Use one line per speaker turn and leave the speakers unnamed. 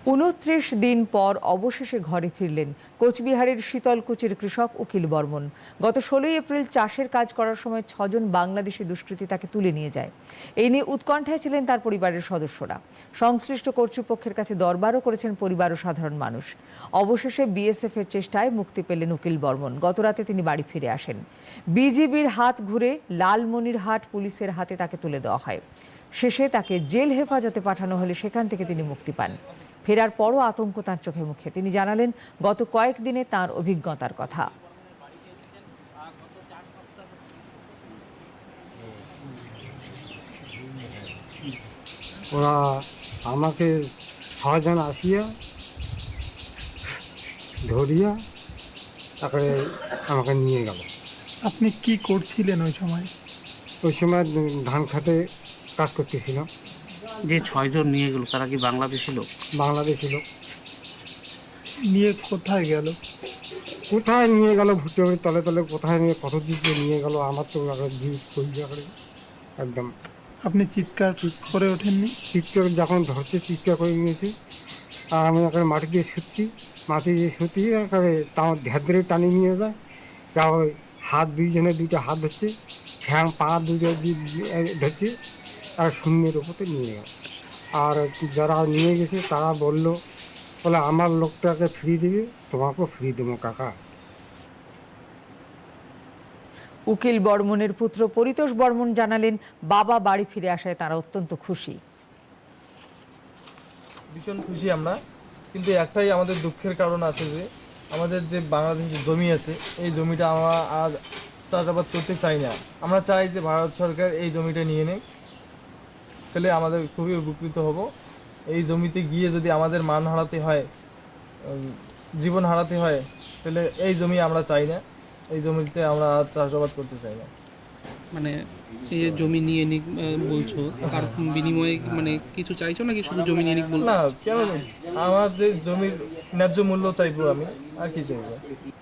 ২৯ দিন পর অবশেষে ঘরে ফিরলেন কোচবিহারের শীতলকুচির কৃষক উকিল বর্মন। গত ১৬ এপ্রিল চাষের কাজ করার সময় ৬ জন বাংলাদেশি দুষ্কৃতী তাকে তুলে নিয়ে যায়। এই নিয়ে উৎকণ্ঠায় ছিলেন তার পরিবারের সদস্যরা। সংশ্লিষ্ট কর্তৃপক্ষের কাছে দরবারও করেছেন পরিবার ও সাধারণ মানুষ। অবশেষে বিএসএফ এর চেষ্টায় মুক্তি পেলেন উকিল বর্মন। গতরাতে তিনি বাড়ি ফিরে আসেন। বিজিবির হাত ঘুরে লালমনিরহাট পুলিশের হাতে তাকে তুলে দেওয়া হয়। শেষে তাকে জেল হেফাজতে পাঠানো হলে সেখান থেকে তিনি মুক্তি পান। ফেরার পরও আতঙ্ক তাঁর চোখে মুখে। তিনি জানালেন গত কয়েকদিনে তাঁর অভিজ্ঞতার কথা।
ওরা আমাকে ৬ জন আসিয়া ধরিয়া তারপরে আমাকে নিয়ে গেল।
আপনি কি করছিলেন ওই সময়?
ওই সময় ধান খাতে কাজ করতেছিলাম।
যে ৬ জন নিয়ে গেল তারা কি বাংলাদেশি লোক?
বাংলাদেশি লোক।
নিয়ে কোথায় গেল?
কোথায় নিয়ে গেল, ভুট্টে বাড়ির তলে তলে কোথায় নিয়ে কত দিকে নিয়ে গেল আমার তো জীব কলজা করে একদম।
আপনি চিৎকার করে ওঠেননি?
চিৎকার যখন ধরছে চিৎকার করে নিয়েছি। আর আমি এখানে মাটি দিয়ে শুচ্ছি, মাটি দিয়ে শুতিয়ে একেবারে তাও ধ্যার ধরে টানিয়ে নিয়ে যায়। তাও হাত দুইজনে দুইটা হাত ধরছে, ঠ্যাং পা দুটো ধরছে, আর শূন্যের ওপরে নিয়ে গেল। আর যারা নিয়ে গেছে তারা বললো আমার লোকটাকে ফিরিয়ে দেবে, তোমাকেও ফিরিয়ে দেবো কাকা।
উকিল বর্মনের পুত্র পরিতোষ বর্মন জানালেন বাবা বাড়ি ফিরে আসায় তারা অত্যন্ত খুশি।
ভীষণ খুশি আমরা, কিন্তু একটাই আমাদের দুঃখের কারণ আছে যে আমাদের যে বাংলাদেশের জমি আছে এই জমিটা আমরা আর চাষাবাদ করতে চাই না। আমরা চাই যে ভারত সরকার এই জমিটা নিয়ে নেয়, তাহলে আমাদের খুবই উপকৃত হব। এই জমিতে গিয়ে যদি আমাদের মান হারাতে হয়, জীবন হারাতে হয়, তাহলে এই জমি আমরা চাই না। এই জমিতে আমরা আর চাষাবাদ করতে চাই না।
মানে এই যে জমি নিয়ে নিক বলছো, তার বিনিময়ে মানে কিছু চাইছো নাকি শুধু জমি নিয়ে নিক বল?
না, কেন আমার যে জমির ন্যায্য মূল্য চাইবো আমি, আর কি চাইবো।